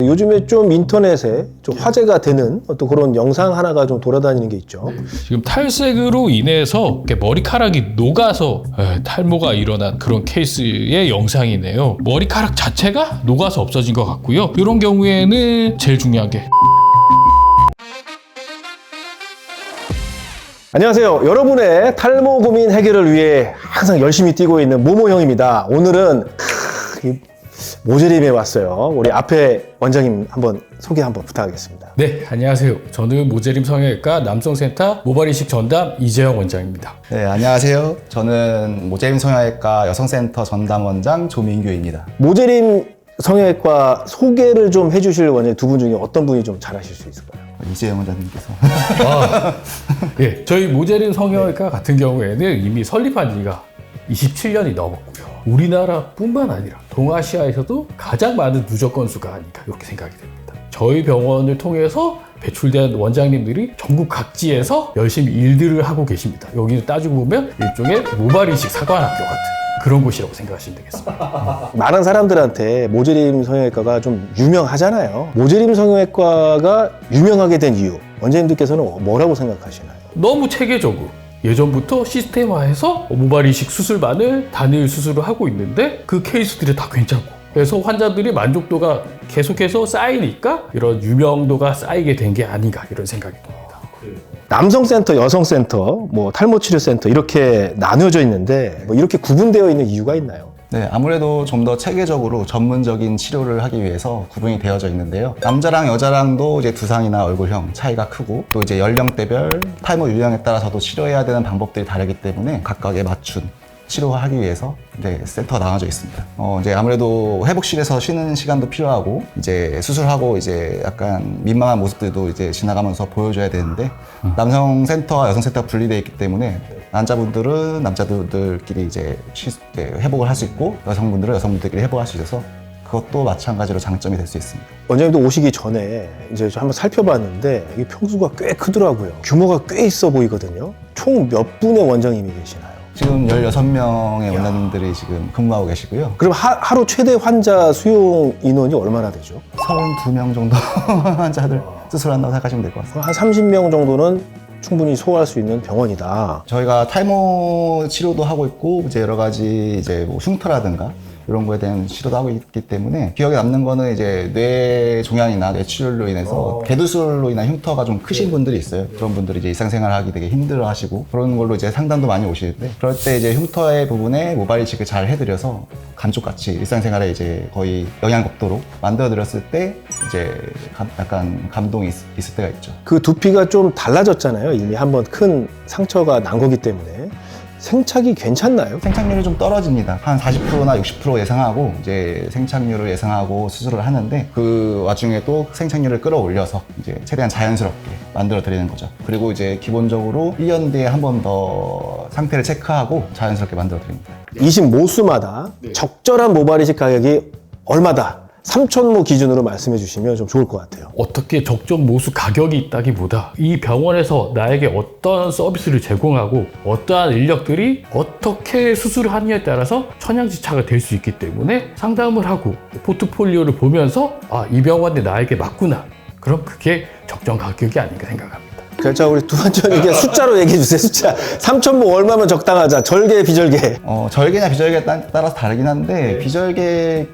요즘에 좀 인터넷에 좀 화제가 되는 또 그런 영상 하나가 좀 돌아다니는 게 있죠. 지금 탈색으로 인해서 이렇게 머리카락이 녹아서 탈모가 일어난 그런 케이스의 영상이네요. 머리카락 자체가 녹아서 없어진 것 같고요. 이런 경우에는 제일 중요한 게 안녕하세요. 여러분의 탈모 고민 해결을 위해 항상 열심히 뛰고 있는 모모형입니다. 오늘은 모재림에 왔어요. 우리 앞에 원장님 한번 소개 한번 부탁하겠습니다. 네, 안녕하세요. 저는 모재림 성형외과 남성센터 모발이식 전담 이재영 원장입니다. 네, 안녕하세요. 저는 모재림 성형외과 여성센터 전담 원장 조민규입니다. 모재림 성형외과 소개를 좀 해주실 원장님 두 분 중에 어떤 분이 좀 잘하실 수 있을까요? 이재영 원장님께서. 예, 저희 모재림 성형외과 같은 경우에는 이미 설립한 지가 27년이 넘었고요. 우리나라뿐만 아니라 동아시아에서도 가장 많은 누적 건수가 아닌가 이렇게 생각이 됩니다. 저희 병원을 통해서 배출된 원장님들이 전국 각지에서 열심히 일들을 하고 계십니다. 여기는 따지고 보면 일종의 모발이식 사관학교 같은 그런 곳이라고 생각하시면 되겠습니다. 많은 사람들한테 모재림 성형외과가 좀 유명하잖아요. 모재림 성형외과가 유명하게 된 이유, 원장님들께서는 뭐라고 생각하시나요? 너무 체계적으로 예전부터 시스템화해서 모발이식 수술만을 단일 수술을 하고 있는데 그 케이스들이 다 괜찮고 그래서 환자들이 만족도가 계속해서 쌓이니까 이런 유명도가 쌓이게 된 게 아닌가 이런 생각이 듭니다. 남성센터, 여성센터, 탈모치료센터 이렇게 나뉘어져 있는데 이렇게 구분되어 있는 이유가 있나요? 네, 아무래도 좀 더 체계적으로 전문적인 치료를 하기 위해서 구분이 되어져 있는데요. 남자랑 여자랑도 이제 두상이나 얼굴형 차이가 크고 또 이제 연령대별 탈모 유형에 따라서도 치료해야 되는 방법들이 다르기 때문에 각각에 맞춘 치료하기 위해서 이제 센터가 나눠져 있습니다. 이제 아무래도 회복실에서 쉬는 시간도 필요하고 이제 수술하고 이제 약간 민망한 모습들도 이제 지나가면서 보여줘야 되는데 남성 센터와 여성 센터가 분리되어 있기 때문에 남자분들은 남자들끼리 이제 회복을 할 수 있고 여성분들은 여성분들끼리 회복할 수 있어서 그것도 마찬가지로 장점이 될 수 있습니다. 원장님도 오시기 전에 이제 한번 살펴봤는데 이게 평수가 꽤 크더라고요. 규모가 꽤 있어 보이거든요. 총 몇 분의 원장님이 계시나요? 지금 16명의 원장님들이 지금 근무하고 계시고요. 그럼 하루 최대 환자 수용 인원이 얼마나 되죠? 32명 정도 환자들 수술한다고 생각하시면 될 것 같습니다. 한 30명 정도는 충분히 소화할 수 있는 병원이다. 저희가 탈모 치료도 하고 있고 이제 여러 가지 이제 흉터라든가 이런 거에 대한 치료도 하고 있기 때문에 기억에 남는 거는 이제 뇌 종양이나 뇌출혈로 인해서 개두술로 인한 흉터가 좀 크신 분들이 있어요. 그런 분들이 이제 일상생활 하기 되게 힘들어 하시고 그런 걸로 이제 상담도 많이 오시는데 그럴 때 이제 흉터의 부분에 모발 이식을 잘 해드려서 감쪽같이 일상생활에 이제 거의 영양 없도록 만들어드렸을 때 이제 약간 감동이 있을 때가 있죠. 그 두피가 좀 달라졌잖아요. 이미 한번 큰 상처가 난 거기 때문에. 생착이 괜찮나요? 생착률이 좀 떨어집니다. 한 40%나 60% 예상하고 이제 생착률을 예상하고 수술을 하는데 그 와중에 또 생착률을 끌어올려서 이제 최대한 자연스럽게 만들어 드리는 거죠. 그리고 이제 기본적으로 1년 뒤에 한 번 더 상태를 체크하고 자연스럽게 만들어 드립니다. 20모수마다 적절한 모발이식 가격이 얼마다? 삼천모 기준으로 말씀해 주시면 좀 좋을 것 같아요. 어떻게 적정 모수 가격이 있다기보다 이 병원에서 나에게 어떤 서비스를 제공하고 어떠한 인력들이 어떻게 수술을 하느냐에 따라서 천양지차가 될 수 있기 때문에 상담을 하고 포트폴리오를 보면서 이 병원이 나에게 맞구나. 그럼 그게 적정 가격이 아닌가 생각합니다. 자, 우리 두 번째 이게 숫자로 얘기해 주세요. 숫자. 3천모 얼마면 적당하자. 절개, 비절개. 절개냐 비절개에 따라서 다르긴 한데 비절개의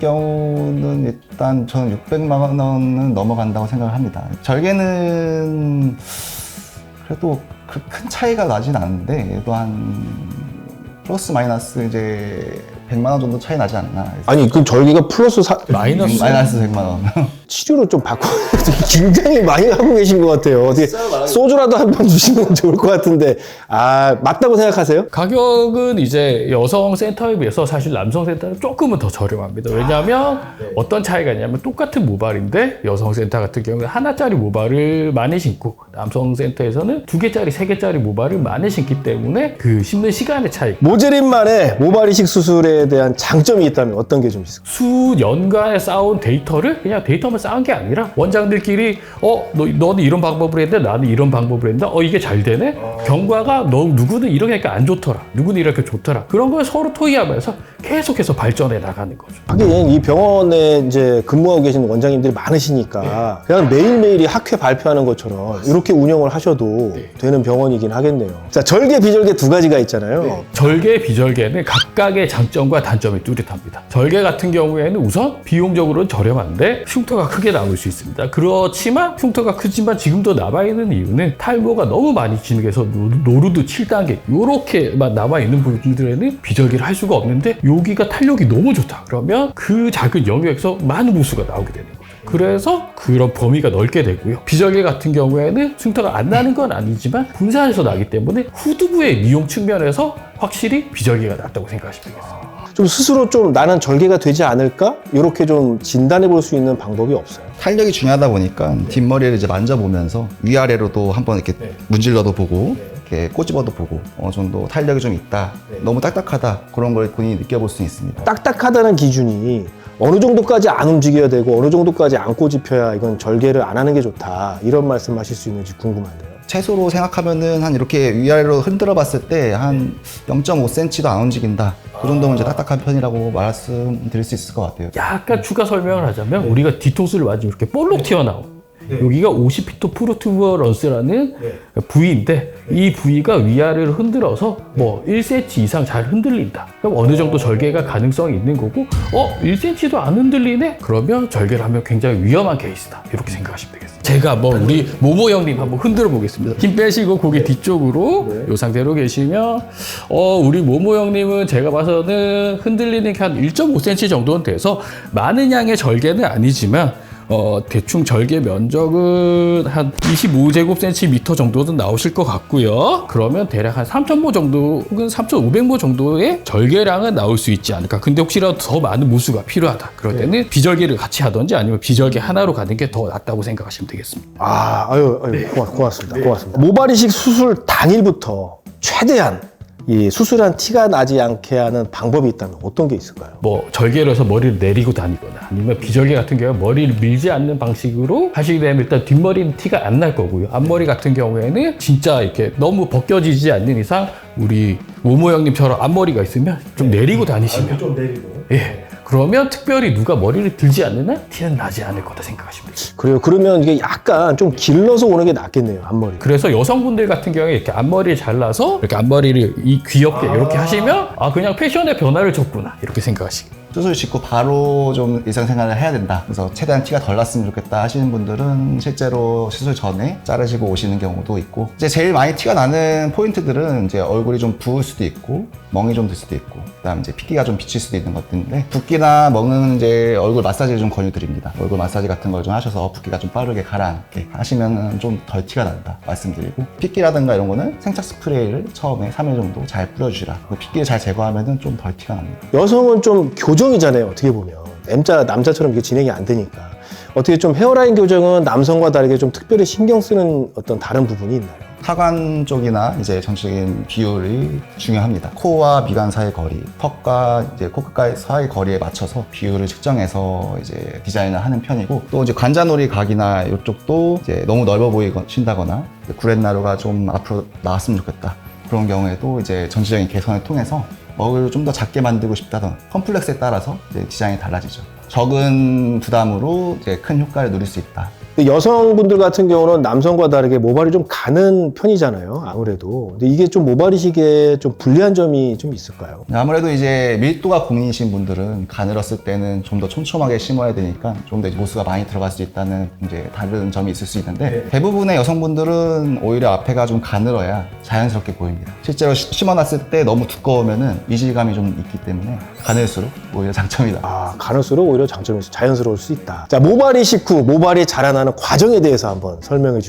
경우는 일단 저는 600만 원은 넘어간다고 생각을 합니다. 절개는 그래도 그 큰 차이가 나진 않는데 또한 플러스 마이너스 이제 100만 원 정도 차이 나지 않나. 아니, 그 절개가 플러스 마이너스 100만 원. 치료를 좀 바꿔 굉장히 많이 하고 계신 것 같아요. 어떻게 소주라도 한 병 주시면 좋을 것 같은데 맞다고 생각하세요? 가격은 이제 여성 센터에 비해서 사실 남성 센터는 조금은 더 저렴합니다. 왜냐하면 어떤 차이가 있냐면 똑같은 모발인데 여성 센터 같은 경우는 하나짜리 모발을 많이 신고 남성 센터에서는 2개짜리, 3개짜리 모발을 많이 신기 때문에 그 심는 시간의 차이. 모재림만의 모발 이식 수술에 성형에 대한 장점이 있다면 어떤 게 좀 있을까요? 수년간에 쌓아온 데이터를 그냥 데이터만 쌓은 게 아니라 원장들끼리 너는 이런 방법을 했는데 나는 이런 방법을 했는데 이게 잘 되네? 경과가 누구는 이렇게 하니까 안 좋더라. 누구는 이렇게 좋더라. 그런 걸 서로 토의하면서 계속해서 발전해 나가는 거죠. 하긴 이 병원에 이제 근무하고 계신 원장님들이 많으시니까 그냥 매일매일이 학회 발표하는 것처럼 이렇게 운영을 하셔도 되는 병원이긴 하겠네요. 자, 절개, 비절개 두 가지가 있잖아요. 절개, 비절개는 각각의 장점과 단점이 뚜렷합니다. 절개 같은 경우에는 우선 비용적으로는 저렴한데 흉터가 크게 나올 수 있습니다. 그렇지만 흉터가 크지만 지금도 남아있는 이유는 탈모가 너무 많이 진행해서 노루드 7단계 이렇게만 남아있는 부분들에는 비절개를 할 수가 없는데 여기가 탄력이 너무 좋다. 그러면 그 작은 영역에서 많은 무수가 나오게 되는 거죠. 그래서 그런 범위가 넓게 되고요. 비절개 같은 경우에는 흉터가 안 나는 건 아니지만 분산해서 나기 때문에 후두부의 미용 측면에서 확실히 비절개가 낫다고 생각하시면 되겠습니다. 좀 스스로 좀 나는 절개가 되지 않을까? 이렇게 좀 진단해 볼 수 있는 방법이 없어요. 탄력이 중요하다 보니까 뒷머리를 이제 만져보면서 위아래로도 한번 이렇게 문질러도 보고 이렇게 꼬집어도 보고 어느 정도 탄력이 좀 있다. 너무 딱딱하다. 그런 걸 본인이 느껴볼 수 있습니다. 딱딱하다는 기준이 어느 정도까지 안 움직여야 되고 어느 정도까지 안 꼬집혀야 이건 절개를 안 하는 게 좋다. 이런 말씀 하실 수 있는지 궁금한데요. 최소로 생각하면은 한 이렇게 위아래로 흔들어 봤을 때 한 0.5cm도 안 움직인다. 그 정도면 이제 딱딱한 편이라고 말씀드릴 수 있을 것 같아요. 약간 추가 설명을 하자면 우리가 뒤통수를 맞으면 이렇게 볼록 튀어나온 여기가 오시피토 프로투버런스라는 부위인데 이 부위가 위아래를 흔들어서 뭐 1cm 이상 잘 흔들린다. 그럼 어느 정도 절개가 가능성이 있는 거고 1cm도 안 흔들리네? 그러면 절개를 하면 굉장히 위험한 케이스다. 이렇게 생각하시면 되겠습니다. 제가 우리 모모 형님 한번 흔들어 보겠습니다. 힘 빼시고 고개 뒤쪽으로 이 상태로 계시면 우리 모모 형님은 제가 봐서는 흔들리는 게 한 1.5cm 정도는 돼서 많은 양의 절개는 아니지만 대충 절개 면적은 한 25제곱센티미터 정도는 나오실 것 같고요. 그러면 대략 한 3,000모 정도 혹은 3,500모 정도의 절개량은 나올 수 있지 않을까. 근데 혹시라도 더 많은 무수가 필요하다. 그럴 때는 비절개를 같이 하든지 아니면 비절개 하나로 가는 게 더 낫다고 생각하시면 되겠습니다. 고맙습니다. 고맙습니다. 모발이식 수술 당일부터 최대한 이 수술한 티가 나지 않게 하는 방법이 있다면 어떤 게 있을까요? 절개를 해서 머리를 내리고 다니거나 아니면 비절개 같은 경우에 머리를 밀지 않는 방식으로 하시게 되면 일단 뒷머리는 티가 안 날 거고요. 앞머리 같은 경우에는 진짜 이렇게 너무 벗겨지지 않는 이상 우리 모모 형님처럼 앞머리가 있으면 좀 내리고 다니시면 좀 내리고. 그러면 특별히 누가 머리를 들지 않는 한 티는 나지 않을 거다 생각하시면 돼요. 그래요. 그러면 이게 약간 좀 길러서 오는 게 낫겠네요, 앞머리. 그래서 여성분들 같은 경우에 이렇게 앞머리를 잘라서 이렇게 앞머리를 귀엽게 이렇게 하시면 그냥 패션의 변화를 줬구나 이렇게 생각하시고. 수술 짓고 바로 좀 일상생활을 해야 된다. 그래서 최대한 티가 덜 났으면 좋겠다 하시는 분들은 실제로 수술 전에 자르시고 오시는 경우도 있고, 이제 제일 많이 티가 나는 포인트들은 이제 얼굴이 좀 부을 수도 있고, 멍이 좀 들 수도 있고, 그다음 이제 핏기가 좀 비칠 수도 있는 것들인데, 붓기나 멍은 이제 얼굴 마사지를 좀 권유드립니다. 얼굴 마사지 같은 걸 좀 하셔서 붓기가 좀 빠르게 가라앉게 하시면 좀 덜 티가 난다 말씀드리고, 핏기라든가 이런 거는 생착 스프레이를 처음에 3일 정도 잘 뿌려주시라. 핏기를 잘 제거하면 좀 덜 티가 납니다. 여성은 좀 교정이잖아요, 어떻게 보면. 남자처럼 이게 진행이 안 되니까. 어떻게 좀 헤어라인 교정은 남성과 다르게 좀 특별히 신경 쓰는 어떤 다른 부분이 있나요? 하관 쪽이나 이제 전체적인 비율이 중요합니다. 코와 미간 사이 거리, 턱과 이제 코끝 사이 거리에 맞춰서 비율을 측정해서 이제 디자인을 하는 편이고, 또 이제 관자놀이 각이나 이쪽도 이제 너무 넓어 보이신다거나 구렛나루가 좀 앞으로 나왔으면 좋겠다. 그런 경우에도 이제 전체적인 개선을 통해서 먹을 좀 더 작게 만들고 싶다던 컴플렉스에 따라서 이제 디자인이 달라지죠. 적은 부담으로 이제 큰 효과를 누릴 수 있다. 근데 여성분들 같은 경우는 남성과 다르게 모발이 좀 가는 편이잖아요, 아무래도. 근데 이게 좀 모발이식에 좀 불리한 점이 좀 있을까요? 아무래도 이제 밀도가 고민이신 분들은 가늘었을 때는 좀 더 촘촘하게 심어야 되니까 좀 더 모수가 많이 들어갈 수 있다는 이제 다른 점이 있을 수 있는데, 대부분의 여성분들은 오히려 앞에가 좀 가늘어야 자연스럽게 보입니다. 실제로 심어놨을 때 너무 두꺼우면은 이질감이 좀 있기 때문에 가늘수록 오히려 장점이다. 가늘수록 오히려 장점이 자연스러울 수 있다. 자, 모발이식 후 모발이 자라나는 과정에 대해서 한번 설명해 주실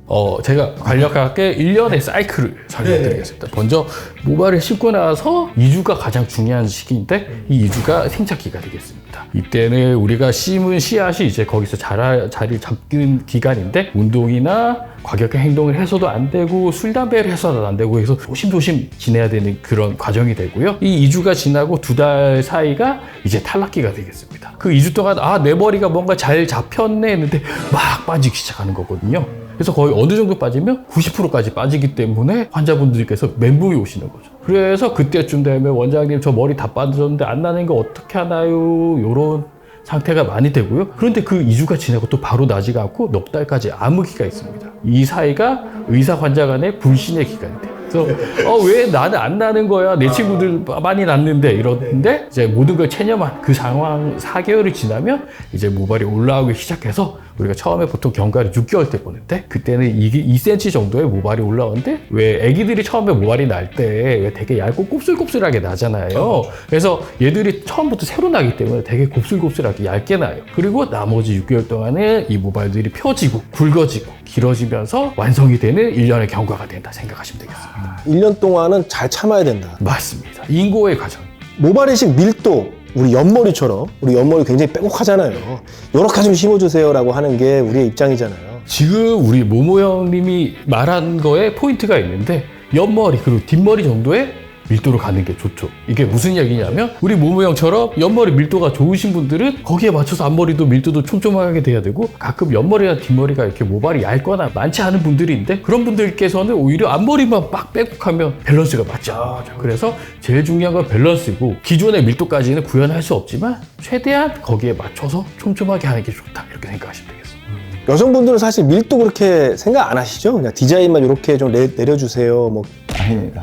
제가 간략하게 1년의 사이클을 설명드리겠습니다. 먼저 모발을 심고 나서 2주가 가장 중요한 시기인데 이 2주가 생착기가 되겠습니다. 이때는 우리가 심은 씨앗이 이제 거기서 자리를 잡는 기간인데 운동이나 과격한 행동을 해서도 안 되고 술, 담배를 해서도 안 되고 해서 조심조심 지내야 되는 그런 과정이 되고요. 이 2주가 지나고 2달 사이가 이제 탈락기가 되겠습니다. 그 2주 동안 내 머리가 뭔가 잘 잡혔네 했는데 막 빠지기 시작하는 거거든요. 그래서 거의 어느 정도 빠지면 90%까지 빠지기 때문에 환자분들께서 멘붕이 오시는 거죠. 그래서 그때쯤 되면 원장님 저 머리 다 빠졌는데 안 나는 거 어떻게 하나요? 이런 상태가 많이 되고요. 그런데 그 2주가 지나고 또 바로 나지가 않고 넉 달까지 암흑기가 있습니다. 이 사이가 의사 환자 간의 불신의 기간이 돼요. 그래서 왜 나는 안 나는 거야? 내 친구들 많이 났는데 이러는데 이제 모든 걸 체념한 그 상황 4개월이 지나면 이제 모발이 올라오기 시작해서 우리가 처음에 보통 경과를 6개월 때 보는데 그때는 2cm 정도의 모발이 올라오는데 왜 애기들이 처음에 모발이 날 때 왜 되게 얇고 곱슬곱슬하게 나잖아요. 그래서 얘들이 처음부터 새로 나기 때문에 되게 곱슬곱슬하게 얇게 나요. 그리고 나머지 6개월 동안은 이 모발들이 펴지고 굵어지고 길어지면서 완성이 되는 1년의 경과가 된다 생각하시면 되겠습니다. 1년 동안은 잘 참아야 된다. 맞습니다. 인고의 과정. 모발 이식 밀도, 우리 옆머리처럼, 우리 옆머리 굉장히 빼곡하잖아요. 요렇게 좀 심어주세요라고 하는 게 우리의 입장이잖아요. 지금 우리 모모 형님이 말한 거에 포인트가 있는데 옆머리 그리고 뒷머리 정도의 밀도로 가는 게 좋죠. 이게 무슨 얘기냐면 우리 모모 형처럼 옆머리 밀도가 좋으신 분들은 거기에 맞춰서 앞머리도 밀도도 촘촘하게 돼야 되고 가끔 옆머리나 뒷머리가 이렇게 모발이 얇거나 많지 않은 분들이 있는데 그런 분들께서는 오히려 앞머리만 막 빼곡하면 밸런스가 맞지 않는 거죠. 그래서 제일 중요한 건 밸런스이고 기존의 밀도까지는 구현할 수 없지만 최대한 거기에 맞춰서 촘촘하게 하는 게 좋다 이렇게 생각하시면 되겠습니다. 여성분들은 사실 밀도 그렇게 생각 안 하시죠? 그냥 디자인만 이렇게 좀 내려주세요. 뭐 아닙니다.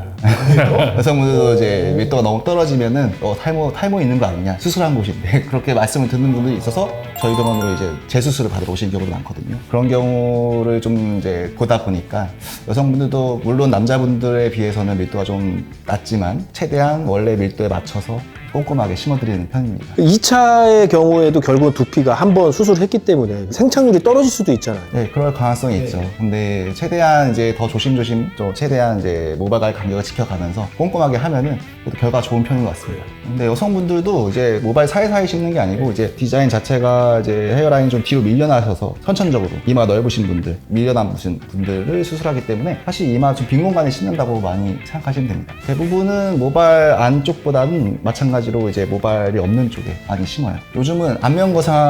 여성분들도 이제 밀도가 너무 떨어지면은 탈모 있는 거 아니냐, 수술한 곳인데 그렇게 말씀을 듣는 분들이 있어서 저희 병원으로 이제 재수술을 받으러 오시는 경우도 많거든요. 그런 경우를 좀 이제 보다 보니까 여성분들도 물론 남자분들에 비해서는 밀도가 좀 낮지만 최대한 원래 밀도에 맞춰서 꼼꼼하게 심어드리는 편입니다. 2차의 경우에도 결국은 두피가 한번 수술했기 때문에 생착률이 떨어질 수도 있잖아요. 네, 그럴 가능성이 있죠. 근데 최대한 이제 더 조심조심, 최대한 이제 모발갈 간격을 지켜가면서 꼼꼼하게 하면은 그래도 결과가 좋은 편인 것 같습니다. 근데 여성분들도 이제 모발 사이사이 심는 게 아니고 이제 디자인 자체가 이제 헤어라인 좀 뒤로 밀려나셔서 선천적으로 이마가 넓으신 분들, 밀려남으신 분들을 수술하기 때문에 사실 이마 좀 빈 공간에 심는다고 많이 생각하시면 됩니다. 대부분은 모발 안쪽보다는 마찬가지로 이제 모발이 없는 쪽에 많이 심어요. 요즘은 안면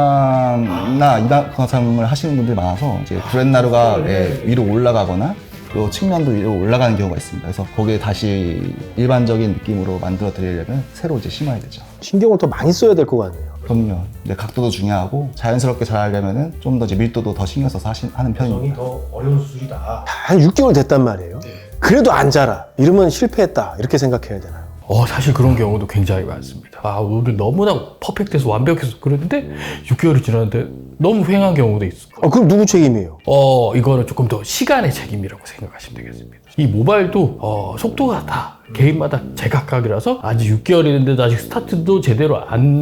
거상이나 이마 거상을 하시는 분들이 많아서 이제 브렛나루가 위로 올라가거나 또 측면도 위로 올라가는 경우가 있습니다. 그래서 거기에 다시 일반적인 느낌으로 만들어 드리려면 새로 이제 심어야 되죠. 신경을 더 많이 써야 될 것 같네요. 그럼요. 이제 각도도 중요하고 자연스럽게 잘 하려면은 좀 더 이제 밀도도 더 신경 써서 하는 편입니다. 더 어려운 수술이다. 한 6개월 됐단 말이에요. 그래도 안 자라. 이러면 실패했다. 이렇게 생각해야 되나요? 사실 그런 경우도 굉장히 많습니다. 오늘 너무나 퍼펙트해서 완벽해서 그랬는데 6개월이 지났는데 너무 휑한 경우도 있어. 그럼 누구 책임이에요? 이거는 조금 더 시간의 책임이라고 생각하시면 되겠습니다. 이 모발도 속도가 다 개인마다 제각각이라서 아직 6개월이는데 아직 스타트도 제대로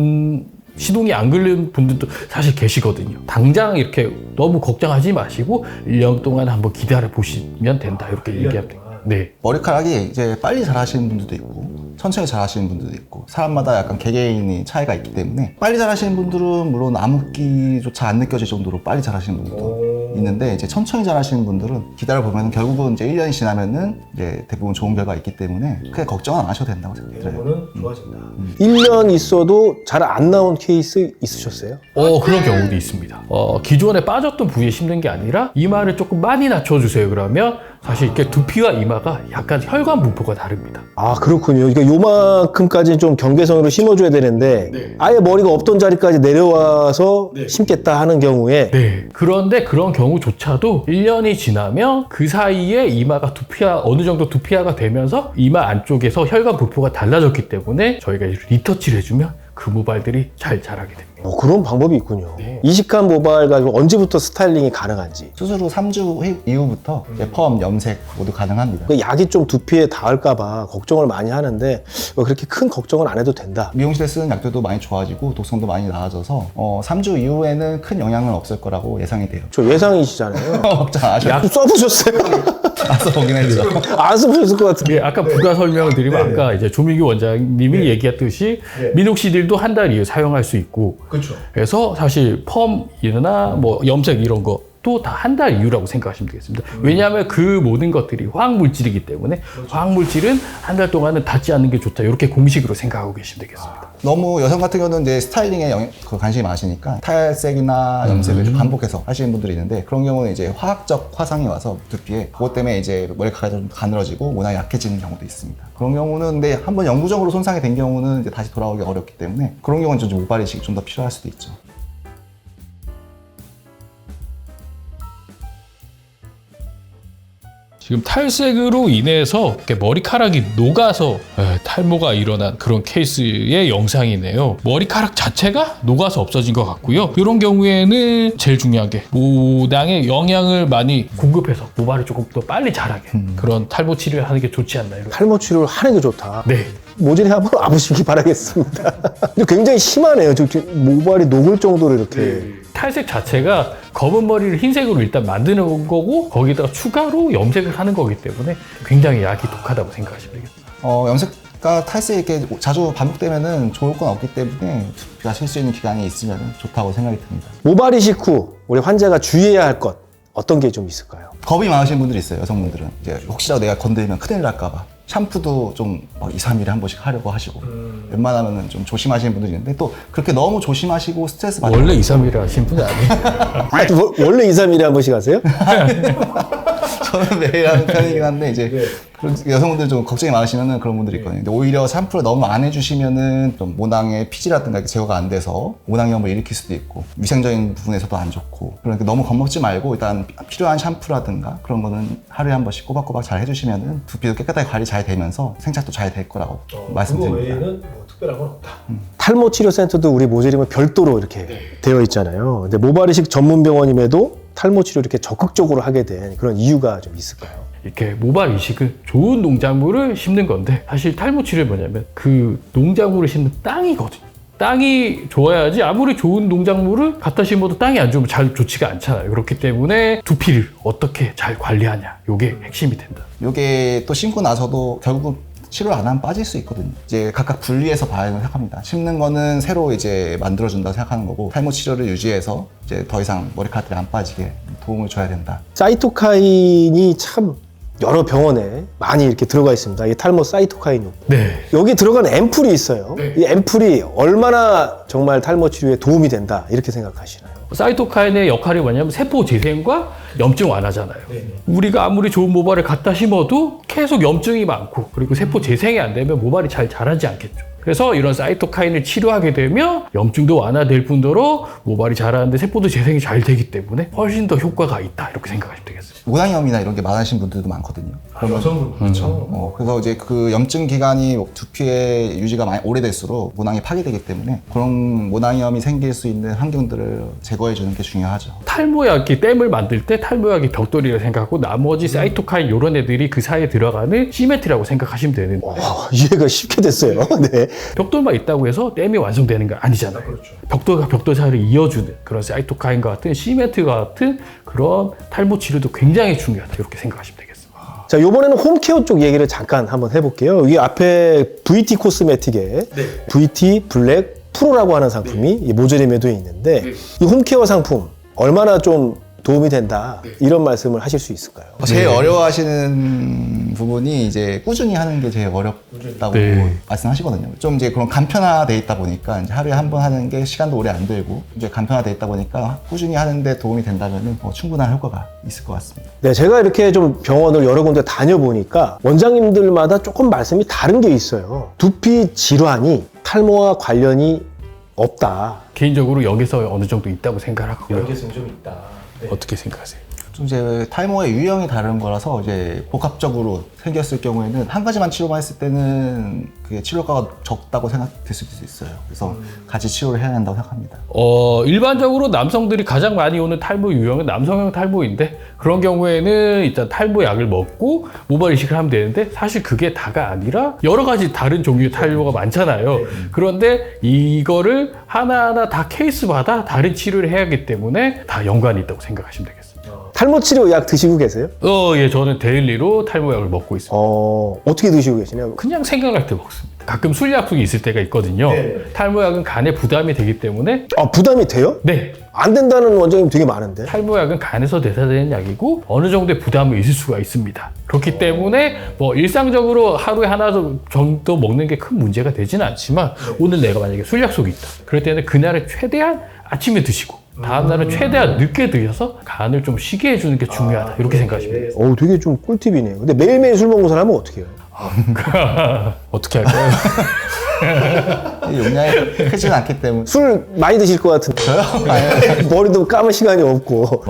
시동이 안 걸린 분들도 사실 계시거든요. 당장 이렇게 너무 걱정하지 마시고 1년 동안 한번 기다려 보시면 된다 이렇게 얘기하면 돼요. 네. 머리카락이 이제 빨리 자라시는 분들도 있고 천천히 자라시는 분들도 있고 사람마다 약간 개개인의 차이가 있기 때문에 빨리 자라시는 분들은 물론 암흑기조차 안 느껴질 정도로 빨리 자라시는 분들도 있는데 이제 천천히 자라시는 분들은 기다려보면 결국은 이제 1년이 지나면은 이제 대부분 좋은 결과가 있기 때문에 크게 걱정은 안 하셔도 된다고 생각해요. 좋아진다. 1년 있어도 잘 안 나온 케이스 있으셨어요? 그런 경우도 있습니다. 기존에 빠졌던 부위에 심는 게 아니라 이마를 조금 많이 낮춰주세요. 그러면 사실 이렇게 두피와 이마가 약간 혈관 분포가 다릅니다. 그렇군요. 그러니까 요만큼까지 좀 경계선으로 심어줘야 되는데 아예 머리가 없던 자리까지 내려와서 심겠다 하는 경우에 그런데 그런 경우조차도 1년이 지나면 그 사이에 이마가 어느 정도 두피화가 되면서 이마 안쪽에서 혈관 분포가 달라졌기 때문에 저희가 리터치를 해주면 그 모발들이 잘 자라게 됩니다. 그런 방법이 있군요. 네. 이식한 모발 가지고 언제부터 스타일링이 가능한지. 수술 후 3주 이후부터 이제 펌, 염색 모두 가능합니다. 그 약이 좀 두피에 닿을까봐 걱정을 많이 하는데 그렇게 큰 걱정은 안 해도 된다. 미용실에 쓰는 약들도 많이 좋아지고 독성도 많이 나아져서 3주 이후에는 큰 영향은 없을 거라고 예상이 돼요. 저 예상이시잖아요. 걱정 안 하셔도 약 써보셨어요? 나서 보긴 했죠. 안 써보셨을 것 같은데. 예, 아까 부가 설명을 드리면 아까 이제 조민규 원장님이 얘기했듯이 미녹시딜도 한 달 이후 사용할 수 있고 그렇죠. 그래서 사실 펌이나 뭐 염색 이런 거 또 다 한 달 이후라고 생각하시면 되겠습니다. 왜냐하면 그 모든 것들이 화학물질이기 때문에 화학물질은 한 달 동안은 닿지 않는 게 좋다. 이렇게 공식으로 생각하고 계시면 되겠습니다. 너무 여성 같은 경우는 이제 스타일링에 관심이 많으시니까 탈색이나 염색을 좀 반복해서 하시는 분들이 있는데 그런 경우는 이제 화학적 화상이 와서 두피에 그것 때문에 이제 머리카락이 좀 가늘어지고 모낭이 약해지는 경우도 있습니다. 그런 경우는 근데 한번 영구적으로 손상이 된 경우는 이제 다시 돌아오기 어렵기 때문에 그런 경우는 좀 모발 이식이 좀 더 필요할 수도 있죠. 지금 탈색으로 인해서 이렇게 머리카락이 녹아서 탈모가 일어난 그런 케이스의 영상이네요. 머리카락 자체가 녹아서 없어진 것 같고요. 이런 경우에는 제일 중요한 게 모낭에 영양을 많이 공급해서 모발을 조금 더 빨리 자라게 그런 탈모 치료를 하는 게 좋지 않나요? 탈모 치료를 하는 게 좋다. 네. 모질이 한번 와보시기 바라겠습니다. 근데 굉장히 심하네요. 저 모발이 녹을 정도로 이렇게. 탈색 자체가 검은 머리를 흰색으로 일단 만드는 거고 거기다가 추가로 염색을 하는 거기 때문에 굉장히 약이 독하다고 생각하시면 되겠습니다. 염색과 탈색 이렇게 자주 반복되면은 좋을 건 없기 때문에 두피가 쉴 수 있는 기간이 있으면 좋다고 생각이 듭니다. 모발 이식 후 우리 환자가 주의해야 할 것 어떤 게 좀 있을까요? 겁이 많으신 분들이 있어요, 여성분들은. 이제 혹시라도 내가 건드리면 큰일 날까봐. 샴푸도 좀 2, 3일에 한 번씩 하려고 하시고 웬만하면 좀 조심하시는 분들이 있는데 또 그렇게 너무 조심하시고 스트레스 받는 원래 2, 3일에 하신 분이 아니에요. 원래 2, 3일에 한 번씩 하세요? 저는 매일 하는 편이긴 한데 이제 그런 여성분들 좀 걱정이 많으시면은 그런 분들이 있거든요. 근데 오히려 샴푸를 너무 안 해주시면은 좀 모낭의 피지라든가 이렇게 제거가 안 돼서 모낭염을 일으킬 수도 있고 위생적인 부분에서도 안 좋고 그러니까 너무 겁먹지 말고 일단 필요한 샴푸라든가 그런 거는 하루에 한 번씩 꼬박꼬박 잘 해주시면은 두피도 깨끗하게 관리 잘 되면서 생착도 잘 될 거라고 말씀드립니다. 뭐 특별한 건 없다. 탈모 치료 센터도 우리 모재림은 별도로 이렇게 되어 있잖아요. 근데 모발 이식 전문 병원임에도 탈모 치료 이렇게 적극적으로 하게 된 그런 이유가 좀 있을까요? 이렇게 모발 이식은 좋은 농작물을 심는 건데 사실 탈모 치료는 뭐냐면 그 농작물을 심는 땅이거든요. 땅이 좋아야지 아무리 좋은 농작물을 갖다 심어도 땅이 안 좋으면 잘 좋지가 않잖아요. 그렇기 때문에 두피를 어떻게 잘 관리하냐 이게 핵심이 된다. 이게 또 심고 나서도 결국은 치료를 안 하면 빠질 수 있거든요. 이제 각각 분리해서 봐야 생각합니다. 심는 거는 새로 이제 만들어준다고 생각하는 거고 탈모 치료를 유지해서 이제 더 이상 머리카락들이 안 빠지게 도움을 줘야 된다. 사이토카인이 참 여러 병원에 많이 이렇게 들어가 있습니다. 이 탈모 사이토카인. 네. 여기 들어간 앰플이 있어요. 이 앰플이 얼마나 정말 탈모 치료에 도움이 된다 이렇게 생각하시나요? 사이토카인의 역할이 뭐냐면 세포 재생과 염증 완화잖아요. 우리가 아무리 좋은 모발을 갖다 심어도 계속 염증이 많고 그리고 세포 재생이 안 되면 모발이 잘 자라지 않겠죠. 그래서 이런 사이토카인을 치료하게 되면 염증도 완화될 뿐더러 모발이 자라는데 세포도 재생이 잘 되기 때문에 훨씬 더 효과가 있다 이렇게 생각하시면 되겠습니다. 모낭염이나 이런 게 많으신 분들도 많거든요. 여성분 그렇죠. 그래서 이제 그 염증 기간이 두피의 유지가 많이 오래될수록 모낭이 파괴되기 때문에 그런 모낭염이 생길 수 있는 환경들을 제거해 주는 게 중요하죠. 탈모약이 댐을 만들 때 탈모약이 벽돌이라고 생각하고 나머지 사이토카인 이런 애들이 그 사이에 들어가는 시멘트라고 생각하시면 되는데 이해가 쉽게 됐어요. 네. 벽돌만 있다고 해서 댐이 완성되는 거 아니잖아요. 벽돌과 벽돌 사이를 이어주는 그런 사이토카인과 같은 시멘트 같은 그런 탈모 치료도 굉장히 중요하다 이렇게 생각하시면 되겠습니다. 자, 이번에는 홈케어 쪽 얘기를 잠깐 한번 해볼게요. 여기 앞에 VT 코스메틱에 VT 블랙 프로라고 하는 상품이 이 모조림에도 있는데 이 홈케어 상품 얼마나 좀 도움이 된다 이런 말씀을 하실 수 있을까요? 제일 어려워하시는 부분이 이제 꾸준히 하는 게 제일 어렵다고 말씀하시거든요. 좀 이제 그런 간편화돼 있다 보니까 이제 하루에 한 번 하는 게 시간도 오래 안 들고 이제 간편화돼 있다 보니까 꾸준히 하는데 도움이 된다면은 충분한 효과가 있을 것 같습니다. 네, 제가 이렇게 좀 병원을 여러 군데 다녀보니까 원장님들마다 조금 말씀이 다른 게 있어요. 두피 질환이 탈모와 관련이 없다. 개인적으로 여기서 어느 정도 있다고 생각하고요. 연계성이 좀 있다. 어떻게 생각하세요? 좀 이제 탈모의 유형이 다른 거라서 이제 복합적으로 생겼을 경우에는 한 가지만 치료만 했을 때는 그게 치료가가 적다고 생각될 수도 있어요. 그래서 같이 치료를 해야 한다고 생각합니다. 일반적으로 남성들이 가장 많이 오는 탈모 유형은 남성형 탈모인데 그런 경우에는 일단 탈모약을 먹고 모발 이식을 하면 되는데 사실 그게 다가 아니라 여러 가지 다른 종류의 탈모가 많잖아요. 그런데 이거를 하나하나 다 케이스마다 다른 치료를 해야 하기 때문에 다 연관이 있다고 생각하시면 되겠습니다. 탈모 치료 약 드시고 계세요? 예, 저는 데일리로 탈모약을 먹고 있습니다. 어떻게 드시고 계시냐요? 그냥 생각날 때 먹습니다. 가끔 술 약속이 있을 때가 있거든요. 탈모약은 간에 부담이 되기 때문에 부담이 돼요? 네, 안 된다는 원장님 되게 많은데. 탈모약은 간에서 대사되는 약이고 어느 정도의 부담이 있을 수가 있습니다. 그렇기 때문에 뭐 일상적으로 하루에 하나 정도 먹는 게 큰 문제가 되지는 않지만 오늘 내가 만약에 술 약속이 있다. 그럴 때는 그날은 최대한 아침에 드시고 다음날은 최대한 늦게 드셔서 간을 좀 쉬게 해주는 게 중요하다. 이렇게 생각하시면 돼요. 되게 좀 꿀팁이네요. 근데 매일매일 술 먹는 사람은 어떻게 해요? 어떻게 할까요? 용량이 크진 않기 때문에. 술 많이 드실 것 같은데. 저요? 머리도 감을 시간이 없고.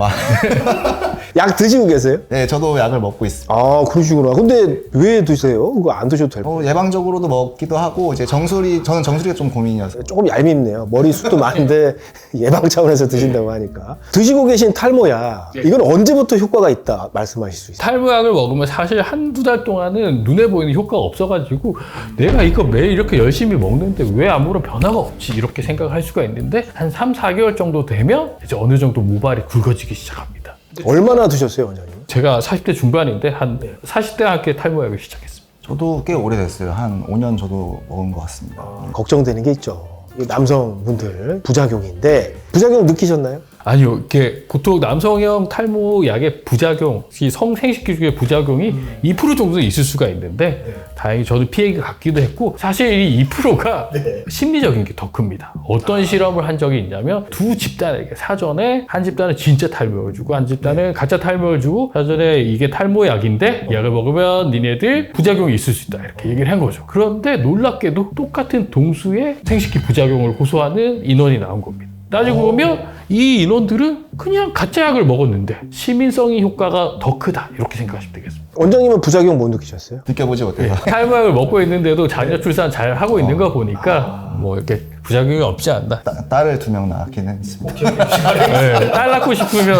약 드시고 계세요? 네, 저도 약을 먹고 있습니다. 그러시구나. 근데 왜 드세요? 그거 안 드셔도 될 것 예방적으로도 먹기도 하고 이제 저는 정수리가 좀 고민이어서. 조금 얄밉네요. 머리숱도 많은데 예방 차원에서 드신다고 하니까. 드시고 계신 탈모약, 이건 언제부터 효과가 있다 말씀하실 수 있어요? 탈모약을 먹으면 사실 한두 달 동안은 눈에 보이는 효과가 없어가지고 내가 이거 매일 이렇게 열심히 먹는데 왜 아무런 변화가 없지 이렇게 생각할 수가 있는데 한 3, 4개월 정도 되면 이제 어느 정도 모발이 굵어지기 시작합니다. 얼마나 드셨어요, 원장님? 제가 40대 중반인데 한 40대 함께 탈모약을 시작했습니다. 저도 꽤 오래됐어요. 한 5년 저도 먹은 것 같습니다. 걱정되는 게 있죠. 이 남성분들 부작용인데 부작용 느끼셨나요? 아니요, 이게 보통 남성형 탈모 약의 부작용, 이 성생식기 중에 부작용이 2% 정도 있을 수가 있는데 다행히 저도 피해가 갔기도 했고 사실 이 2%가 심리적인 게 더 큽니다. 어떤 실험을 한 적이 있냐면 두 집단에게 사전에 한 집단은 진짜 탈모를 주고 한 집단은 가짜 탈모를 주고 사전에 이게 탈모약인데 약을 먹으면 니네들 부작용이 있을 수 있다 이렇게 얘기를 한 거죠. 그런데 놀랍게도 똑같은 동수의 생식기 부작용을 호소하는 인원이 나온 겁니다. 따지고 보면 이 인원들은 그냥 가짜 약을 먹었는데 시민성의 효과가 더 크다 이렇게 생각하시면 되겠습니다. 원장님은 부작용 못 느끼셨어요? 느껴보지 못해서. 탈모약을 먹고 있는데도 자녀 출산 잘 하고 있는 거 보니까 뭐 이렇게 부작용이 없지 않나. 딸을 2명 낳긴 했습니다. 네, 딸 낳고 싶으면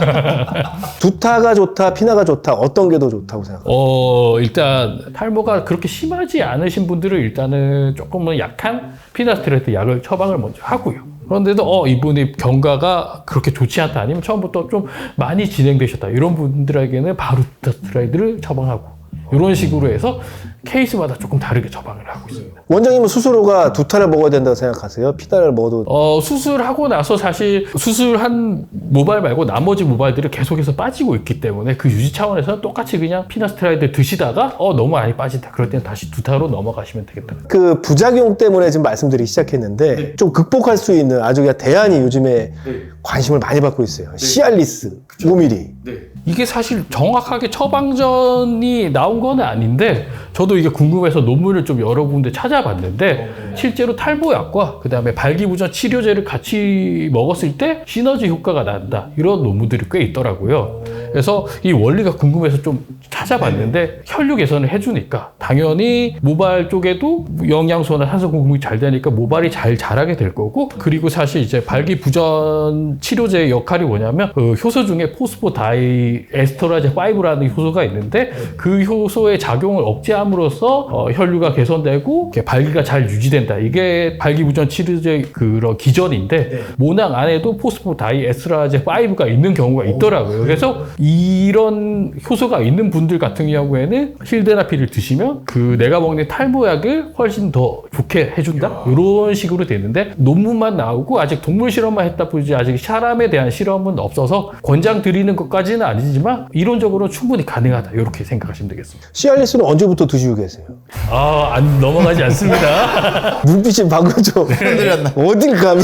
두타가 좋다, 피나가 좋다, 어떤 게 더 좋다고 생각해요? 일단 탈모가 그렇게 심하지 않으신 분들은 일단은 조금은 약한 피나스트레이트 약을 처방을 먼저 하고요. 그런데도 이분이 경과가 그렇게 좋지 않다 아니면 처음부터 좀 많이 진행되셨다 이런 분들에게는 바로 피나스트레이트를 처방하고 이런 식으로 해서 케이스마다 조금 다르게 처방을 하고 있습니다. 원장님은 스스로가 두타를 먹어야 된다고 생각하세요? 피나를 먹어도? 수술하고 나서 사실 수술한 모발 말고 나머지 모발들이 계속해서 빠지고 있기 때문에 그 유지 차원에서는 똑같이 그냥 피나스트라이드 드시다가 너무 많이 빠진다. 그럴 때는 다시 두타로 넘어가시면 되겠다. 그 부작용 때문에 지금 말씀드리기 시작했는데 좀 극복할 수 있는 아주 그냥 대안이 요즘에 관심을 많이 받고 있어요. 시알리스 5mm. 이게 사실 정확하게 처방전이 나온 건 아닌데 저도 이게 궁금해서 논문을 좀 여러 군데 찾아봤는데 실제로 탈모약과 그 다음에 발기부전 치료제를 같이 먹었을 때 시너지 효과가 난다 이런 논문들이 꽤 있더라고요. 그래서 이 원리가 궁금해서 좀 찾아봤는데 혈류 개선을 해주니까 당연히 모발 쪽에도 영양소나 산소 공급이 잘 되니까 모발이 잘 자라게 될 거고 그리고 사실 이제 발기부전 치료제의 역할이 뭐냐면 그 효소 중에 포스포다이 에스터라제 5라는 효소가 있는데 그 효소의 작용을 억제함으로써 혈류가 개선되고 발기가 잘 유지된다. 이게 발기부전 치료제 그런 기전인데 모낭 안에도 포스포다이 에스터라제 5가 있는 경우가 있더라고요. 그래서 이런 효소가 있는 분들 같은 경우에는 힐데나필을 드시면 그 내가 먹는 탈모약을 훨씬 더 좋게 해준다. 이런 식으로 되는데 논문만 나오고 아직 동물 실험만 했다 뿐이지 아직 사람에 대한 실험은 없어서 권장 드리는 것까지는 아니지만 이론적으로 충분히 가능하다 이렇게 생각하시면 되겠습니다. 시알리스는 언제부터 드시고 계세요? 안 넘어가지 않습니다. 눈빛이 방금 좀 흔들렸나? 어딜 감히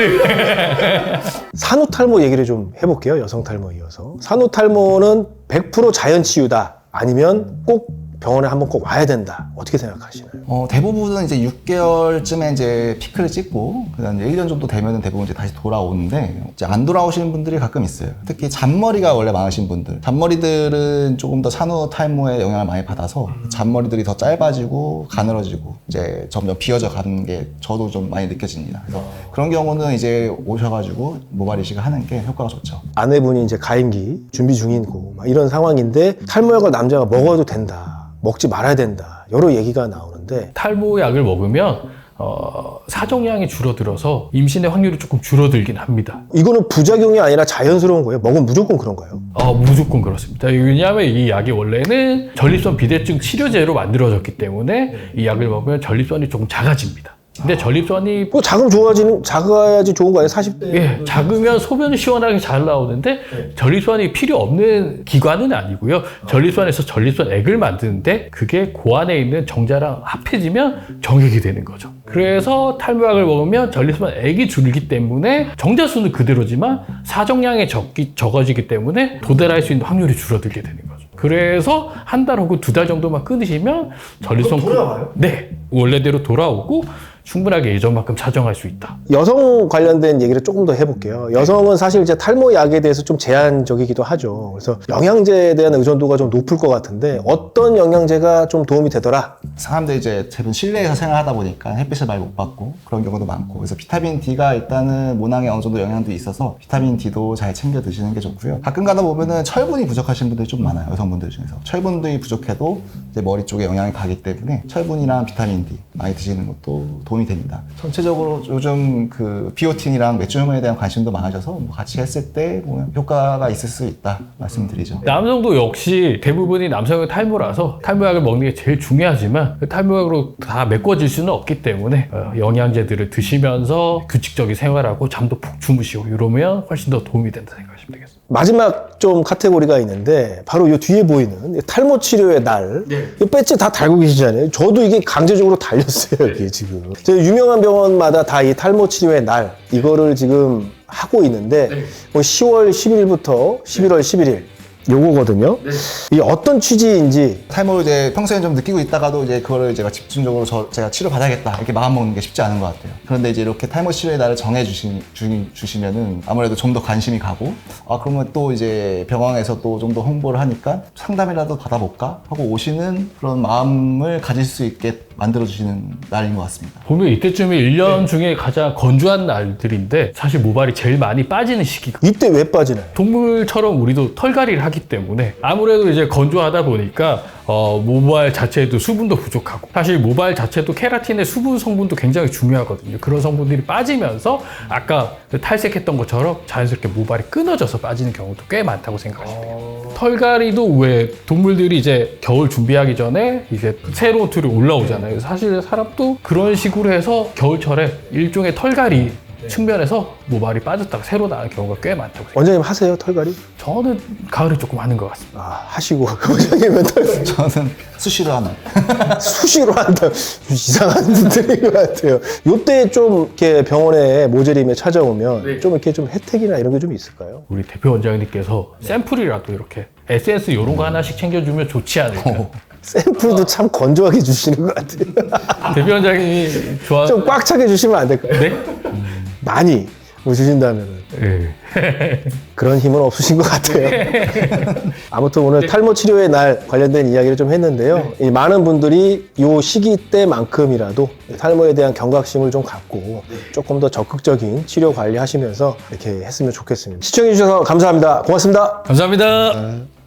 산후탈모 얘기를 좀 해볼게요. 여성 탈모 이어서 산후탈모는 100% 자연 치유다 아니면 꼭 병원에 한번 꼭 와야 된다. 어떻게 생각하시나요? 대부분은 이제 6개월쯤에 이제 피크를 찍고, 그다음 1년 정도 되면은 대부분 이제 다시 돌아오는데, 이제 안 돌아오시는 분들이 가끔 있어요. 특히 잔머리가 원래 많으신 분들. 잔머리들은 조금 더 산후 탈모에 영향을 많이 받아서 잔머리들이 더 짧아지고, 가늘어지고, 이제 점점 비어져 가는 게 저도 좀 많이 느껴집니다. 그래서 그런 경우는 이제 오셔가지고 모발 이식을 하는 게 효과가 좋죠. 아내분이 이제 가임기 준비 중이고 막 이런 상황인데 탈모약을 남자가 먹어도 된다. 먹지 말아야 된다. 여러 얘기가 나오는데 탈모약을 먹으면 사정량이 줄어들어서 임신의 확률이 조금 줄어들긴 합니다. 이거는 부작용이 아니라 자연스러운 거예요? 먹으면 무조건 그런 거예요? 무조건 그렇습니다. 왜냐하면 이 약이 원래는 전립선 비대증 치료제로 만들어졌기 때문에 이 약을 먹으면 전립선이 조금 작아집니다. 근데 전립선이 뭐 작아야지 좋은 거 아니에요? 40대. 예, 작으면 소변이 시원하게 잘 나오는데 전립선이 필요 없는 기관은 아니고요. 전립선에서 전립선액을 만드는데 그게 그 안에 있는 정자랑 합해지면 정액이 되는 거죠. 그래서 탈모약을 먹으면 전립선액이 줄기 때문에 정자 수는 그대로지만 사정량이 적어지기 때문에 도달할 수 있는 확률이 줄어들게 되는 거죠. 그래서 한 달 혹은 2달 정도만 끊으시면 전립선 돌아와요? 네, 원래대로 돌아오고 충분하게 예전만큼 사정할 수 있다. 여성 관련된 얘기를 조금 더 해볼게요. 여성은 사실 이제 탈모약에 대해서 좀 제한적이기도 하죠. 그래서 영양제에 대한 의존도가 좀 높을 것 같은데 어떤 영양제가 좀 도움이 되더라? 사람들이 이제 대부분 실내에서 생활하다 보니까 햇빛을 많이 못 받고 그런 경우도 많고, 그래서 비타민 D가 일단은 모낭에 어느 정도 영향도 있어서 비타민 D도 잘 챙겨 드시는 게 좋고요. 가끔 가다 보면은 철분이 부족하신 분들이 좀 많아요. 여성분들 중에서 철분들이 부족해도 이제 머리 쪽에 영향이 가기 때문에 철분이랑 비타민 D 많이 드시는 것도 도움이 됩니다. 전체적으로 요즘 그 비오틴이랑 맥주 호르몬에 대한 관심도 많아져서 뭐 같이 했을 때 보면 효과가 있을 수 있다 말씀드리죠. 남성도 역시 대부분이 남성의 탈모라서 탈모약을 먹는 게 제일 중요하지만 그 탈모약으로 다 메꿔질 수는 없기 때문에 영양제들을 드시면서 규칙적인 생활하고 잠도 푹 주무시고 이러면 훨씬 더 도움이 된다 생각하시면 되겠습니다. 마지막 좀 카테고리가 있는데 바로 이 뒤에 보이는 탈모 치료의 날. 이 배지 다 달고 계시잖아요. 저도 이게 강제적으로 달렸어요. 이게 지금. 제가 유명한 병원마다 다 이 탈모 치료의 날 이거를 지금 하고 있는데 뭐 10월 10일부터 11월 11일 요거거든요. 이게 어떤 취지인지. 탈모를 이제 평소에 좀 느끼고 있다가도 이제 그거를 제가 집중적으로 제가 치료 받아야겠다 이렇게 마음 먹는 게 쉽지 않은 것 같아요. 그런데 이제 이렇게 탈모 치료의 날을 정해 주시면은 아무래도 좀 더 관심이 가고, 그러면 또 이제 병원에서 또 좀 더 홍보를 하니까 상담이라도 받아볼까 하고 오시는 그런 마음을 가질 수 있게 만들어주시는 날인 것 같습니다. 보면 이때쯤이 1년 중에 가장 건조한 날들인데 사실 모발이 제일 많이 빠지는 시기가 이때 왜 빠지나요? 동물처럼 우리도 털갈이를 하기 때문에 아무래도 이제 건조하다 보니까 모발 자체에도 수분도 부족하고, 사실 모발 자체도 케라틴의 수분 성분도 굉장히 중요하거든요. 그런 성분들이 빠지면서 아까 탈색했던 것처럼 자연스럽게 모발이 끊어져서 빠지는 경우도 꽤 많다고 생각하시면 돼요. 털갈이도 왜 동물들이 이제 겨울 준비하기 전에 이제 새로운 털이 올라오잖아요. 사실 사람도 그런 식으로 해서 겨울철에 일종의 털갈이 측면에서 모발이 빠졌다가 새로 나는 경우가 꽤 많다고 생각해요. 원장님 하세요? 털갈이? 저는 가을에 조금 하는 것 같습니다. 하시고 원장님은 털갈이 저는 수시로 하는. 수시로 한다. 이상한 분들인 것 같아요. 요때 좀 이렇게 병원에 모재림에 찾아오면 좀 이렇게 좀 혜택이나 이런 게 좀 있을까요? 우리 대표 원장님께서 샘플이라도 이렇게 에센스 이런 거 하나씩 챙겨주면 좋지 않을까. 샘플도 참 건조하게 주시는 것 같아요. 대표 원장님이 좋아. 좀 꽉 차게 주시면 안 될까요? 네? 많이 뭐 주신다면은. 네. 그런 힘은 없으신 것 같아요. 아무튼 오늘 탈모 치료의 날 관련된 이야기를 좀 했는데요. 이 많은 분들이 이 시기 때만큼이라도 탈모에 대한 경각심을 좀 갖고 조금 더 적극적인 치료 관리하시면서 이렇게 했으면 좋겠습니다. 시청해주셔서 감사합니다. 고맙습니다. 감사합니다.